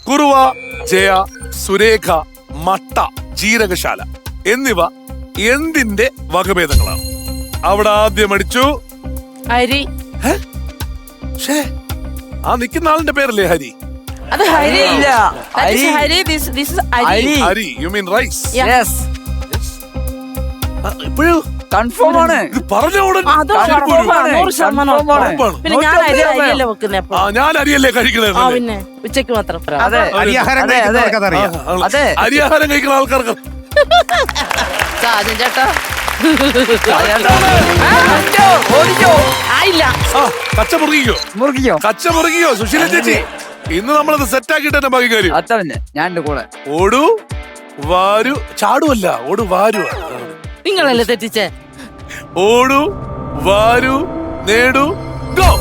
കുറുവ, ജയ, സുരേഖ, മട്ട, ജീരകശാല എന്നിവ എന്തിന്റെ വകഭേദങ്ങളാണ്? അവിടെ ആദ്യം അടിച്ചു ഹരി. ആ നിൽക്കുന്ന ആളിന്റെ പേരല്ലേ ഹരി? അത് ഹരി ഇല്ല. Hari. Hari. This is Hari. Hari, you mean rice? Yes, ഇപ്പോഴും കൺഫേം ആണ്. ഇത് പറഞ്ഞ ഉടൻ അത് ശരിക്കും ഒരു- 100% ഉറപ്പാണ്. പിന്നെ ഞാൻ അരിയല്ലേ വെക്കുന്നേ അപ്പൊ. ആ, ഞാൻ അരിയല്ലേ കഴിക്കണേ? ആ പിന്നെ ഉച്ചക്ക് മാത്രം. അതെ, അരിയാഹാരം അതെ, കഴിക്കുന്നവർക്ക് അതറിയാം. അതെ. അരിയാഹാരം കഴിക്കുന്ന ആൾക്കാർക്ക് സാജൻ ചേട്ടാ ഓടിക്കോ. ആയില്ല. ആ, കച്ച മുറുകിക്കോ, മുറുകിക്കോ. കച്ച മുറുകിക്കോ. സുശീല ചേച്ചി, ഇന്ന് നമ്മളത് സെറ്റ് ആക്കിയിട്ട് തന്നെ ബാക്കി കാര്യം. അത്ത പിന്നെ ഞാൻ എന്റെ കൂടെ. ഓടു വാരു, ചാടുവല്ല, ഓടു വാരു. നിങ്ങളല്ലേ തെറ്റിച്ചേ? ഓടു വാരു നേടു ഗോ.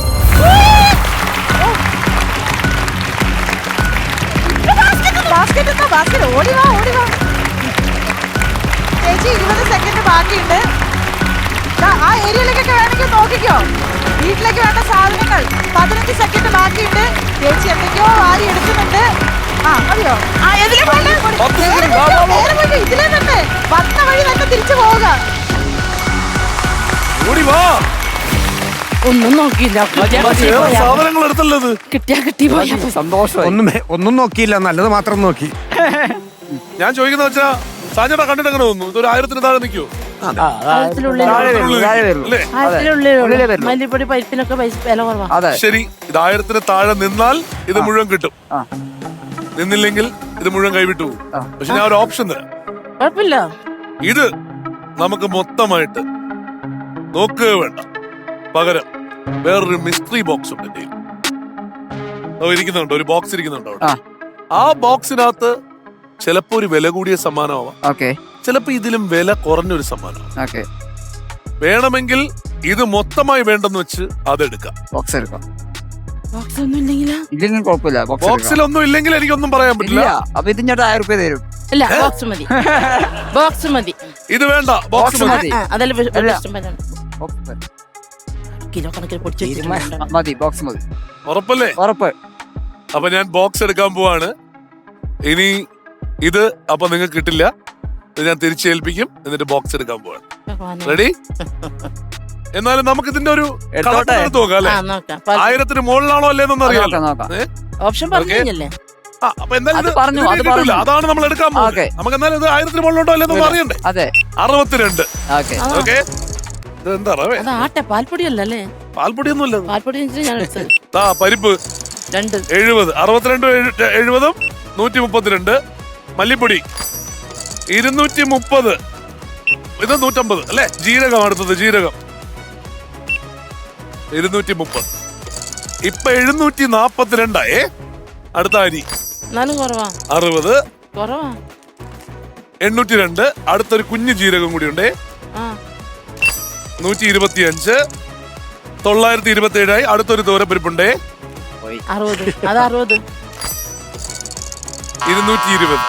ചേച്ചി 20 സെക്കൻഡ് ബാക്കിയുണ്ട്. ആ ഏരിയയിലേക്കൊക്കെ വേണമെങ്കിൽ നോക്കിക്കോ. വീട്ടിലേക്ക് വേണ്ട സാധനങ്ങൾ 15 സെക്കൻഡ് ബാക്കിയുണ്ട്. ചേച്ചി എന്തൊക്കെയോ വാരി എടുക്കുന്നുണ്ട്. ആ മതിയോ? ആ ഇതിലെ പോലെ ഇതിലെ തന്നെ വന്ന വഴി തന്നെ തിരിച്ചു പോവുക. ഓടി വാ. ഒന്നും നോക്കിയില്ല. സാധനങ്ങൾ എടുത്തല്ലോ ഇത്. കിട്ടിയാ കിട്ടി പോയാ സന്തോഷമായി. ഒന്നും നോക്കിയില്ല, നല്ലത് മാത്രം നോക്കി. ഞാൻ ചോദിക്കുന്ന വെച്ചാ സാജട കണ്ടിട്ട് അങ്ങനെ തോന്നുന്നു. ഇതൊരു 1000 താഴെ നിൽക്കുവോ? അല്ലേ? മല്ലിപ്പൊടി പരിപ്പിനൊക്കെ വില കുറവാ. അതെ, ശരി, ഇത് 1000 താഴെ നിന്നാൽ ഇത് മുഴുവൻ കിട്ടും. ആ. നിന്നില്ലെങ്കിൽ ഇത് മുഴുവൻ കൈവിട്ടു പോകും. ആ. പക്ഷെ ഞാൻ ഒരു ഓപ്ഷൻ തരാം. കുഴപ്പമില്ല. ഇത് നമുക്ക് മൊത്തമായിട്ട് നോക്കുക വേണ്ട. പകരം വേറൊരു മിസ്റ്ററി ബോക്സ് ഉണ്ട് എന്റെ കയ്യിൽ. ഇരിക്കുന്നുണ്ട്, ഒരു ബോക്സ് ഇരിക്കുന്നുണ്ട് അവിടെ. ആ. ആ ബോക്സിനകത്ത് ചിലപ്പോ ഒരു വില കൂടിയ സമ്മാനമാവാം, ഓക്കെ ചിലപ്പോ ഇതിലും വില കുറഞ്ഞൊരു സമ്മാനം. ഓക്കെ. വേണമെങ്കിൽ ഇത് മൊത്തമായി വേണ്ടെന്ന് വെച്ച് അതെടുക്കാം. ബോക്സ് എടുക്കാം. ബോക്സ് ഒന്നും ഇല്ലെങ്കിലാ? ഇല്ലെങ്കിൽ കുഴപ്പമില്ല. ബോക്സിലൊന്നും ഇല്ലെങ്കിൽ എനിക്കൊന്നും പറയാൻ പറ്റില്ല. അപ്പൊ ഇതിന്റെ 1000 രൂപ തരും. ഇല്ല, ബോക്സ് മതി. ബോക്സ് മതി. ഇത് വേണ്ട, ബോക്സ് ബോക്സ് മതി. മതി. അതല്ല ഇഷ്ടം ബോക്സ് കിലോ കണക്കിന് പൊടിച്ചു മതി. ബോക്സ് മതി. ഉറപ്പല്ലേ? ഉറപ്പ്. അപ്പൊ ഞാൻ ബോക്സ് എടുക്കാൻ പോവാണ്. ഇനി ഇത് അപ്പൊ നിങ്ങൾക്ക് കിട്ടില്ല. ഇത് ഞാൻ തിരിച്ചേൽപ്പിക്കും, എന്നിട്ട് ബോക്സ് എടുക്കാൻ പോവാണ്. റെഡി? എന്നാലും നമുക്ക് ഇതിന്റെ ഒരു എടുത്തോട്ടെ. നോക്കാം അല്ലെ? 1000 മുകളിലാണോ അല്ലേന്നൊന്നും അറിയാം. നോക്കാം. ഓപ്ഷൻ പറഞ്ഞില്ലേ? അപ്പൊ എന്തായാലും അത് ഇത് പറഞ്ഞു, ഇതിന് അത് കിട്ടൂല. പറഞ്ഞു. അതാണ് നമ്മൾ എടുക്കാൻ പോകുന്നത്. ഓക്കെ. നമുക്ക് എന്നാലും ഇത് 1000 മുകളിലോട്ടോ അല്ലേന്നൊന്നും അറിയണ്ടേ? അതെ. 62. ഓക്കെ. ഓക്കെ. ഇത് എന്താ റവേ? അത് ആട്ടെ, പാൽപ്പൊടിയല്ലേ? പാൽപ്പൊടിയൊന്നും ഇല്ല. പാൽപ്പൊടി ഞാൻ എടുത്തത് പരിപ്പ് 2. 70. 62 70 132. മല്ലിപ്പൊടി 230. ഇത് 150 അല്ലെ? ജീരകം അടുത്തത്, ജീരകം 230. ഇപ്പൊ 742. അടുത്ത അരി എന്നാലും കുറവാ. 60. കുറവാ. 802. അടുത്തൊരു കുഞ്ഞു ജീരകം കൂടി ഉണ്ട്. ആ 125. 927. അടുത്തൊരു തോരപ്പരിപ്പുണ്ട്. 60. അത് 60. 220.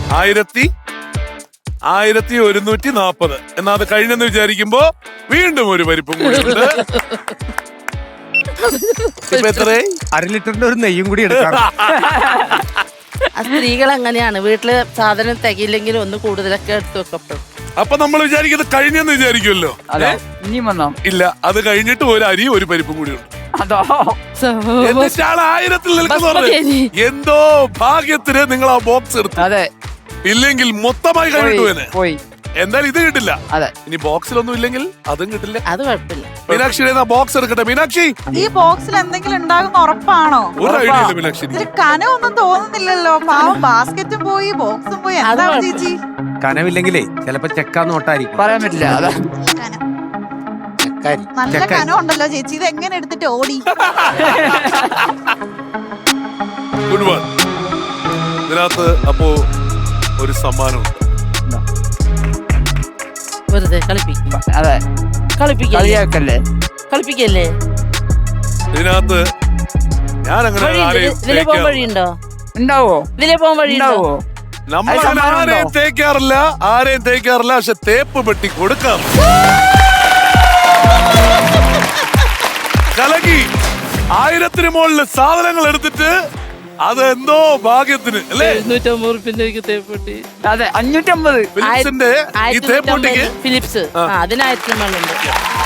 1140. എന്നാ അത് കഴിഞ്ഞെന്ന് വിചാരിക്കുമ്പോ വീണ്ടും ഒരു പരിപ്പും കൂടി ഉണ്ട്. ഇപ്പൊ എത്രയായി? 1/2 ലിറ്ററിന്റെ ഒരു നെയ്യും കൂടി എടുക്കാം. സ്ത്രീകൾ അങ്ങനെയാണ്, വീട്ടില് സാധനം തികയില്ലെങ്കിൽ ഒന്ന് കൂടുതലൊക്കെ എടുത്തു വെക്കപ്പെടും. അപ്പൊ നമ്മൾ വിചാരിക്കുന്നത് കഴിഞ്ഞെന്ന് വിചാരിക്കുമല്ലോ. അതെ, ഇനിയും വന്നോ? ഇല്ല, അത് കഴിഞ്ഞിട്ട് ഒരു അരി ഒരു പരിപ്പും കൂടി ഉണ്ട്. അതോ? എന്നിട്ടാണ് 1000 നിൽക്കുന്നത്. എന്തോ ഭാഗ്യത്തിന് നിങ്ങൾ ആ ബോക്സ് എടുത്തു. അതെ. ഇല്ലെങ്കിൽ മൊത്തമായി കഴിഞ്ഞിട്ട് പോയി. എന്തായാലും ഇത് കിട്ടില്ല. അതെ. ഇനി ബോക്സിലൊന്നും ഇല്ലെങ്കിൽ അതും കിട്ടില്ല. അത് കുഴപ്പമില്ല. മീനാക്ഷിയുടെ ബോക്സ് എടുക്കട്ടെ. മീനാക്ഷി, ഈ ബോക്സിൽ എന്തെങ്കിലും ഉണ്ടാകുന്ന ഉറപ്പാണോ? ഒരു ഐഡിയ ഇല്ല മീനാക്ഷി. ഇതിൽ കനമൊന്നും തോന്നുന്നില്ലല്ലോ. പാവം ബാസ്കറ്റും പോയി ബോക്സും പോയി. എന്താ ചേച്ചി? കനവില്ലെങ്കിലേ ചിലപ്പോ ചെക്കാ നോട്ടായിരിക്കും. പറയാൻ പറ്റില്ല. അതാ നല്ല കനം ഉണ്ടല്ലോ ചേച്ചി. ഇത് എങ്ങനെ എടുത്തിട്ട് ഓടി? Good one. ഇതിനകത്ത് അപ്പോ ഒരു സമ്മാനമുണ്ട്. വെറുതെ കളിപ്പിക്കും. അതെ, കളിപ്പിക്കല്ലേ? കളിയാക്കല്ലേ? കളിപ്പിക്കല്ലേ? ഇതിനകത്ത് ഞാൻ അങ്ങനെ ആരെയും ഇതിലെ പോകാൻ വഴിയുണ്ടോ? ഉണ്ടാവോ? ഇതിലെ പോകാൻ വഴിയുണ്ടോ? നമ്മൾ ആരെയും തേക്കാറില്ല, പക്ഷെ തേപ്പ് പെട്ടി കൊടുക്കാം. കലകി 1000 മുകളിൽ സാധനങ്ങൾ എടുത്തിട്ട് അതെന്തോ ഭാഗ്യത്തിന് അല്ലേ? 750 റുപ്യന്റെ എനിക്ക് തേപ്പൊട്ടി. അതെ 550. ഫിലിപ്സിന്റെ ഈ തേപ്പൊട്ടിക്ക് ഫിലിപ്സ് അതിന് 1000 ഉണ്ട്.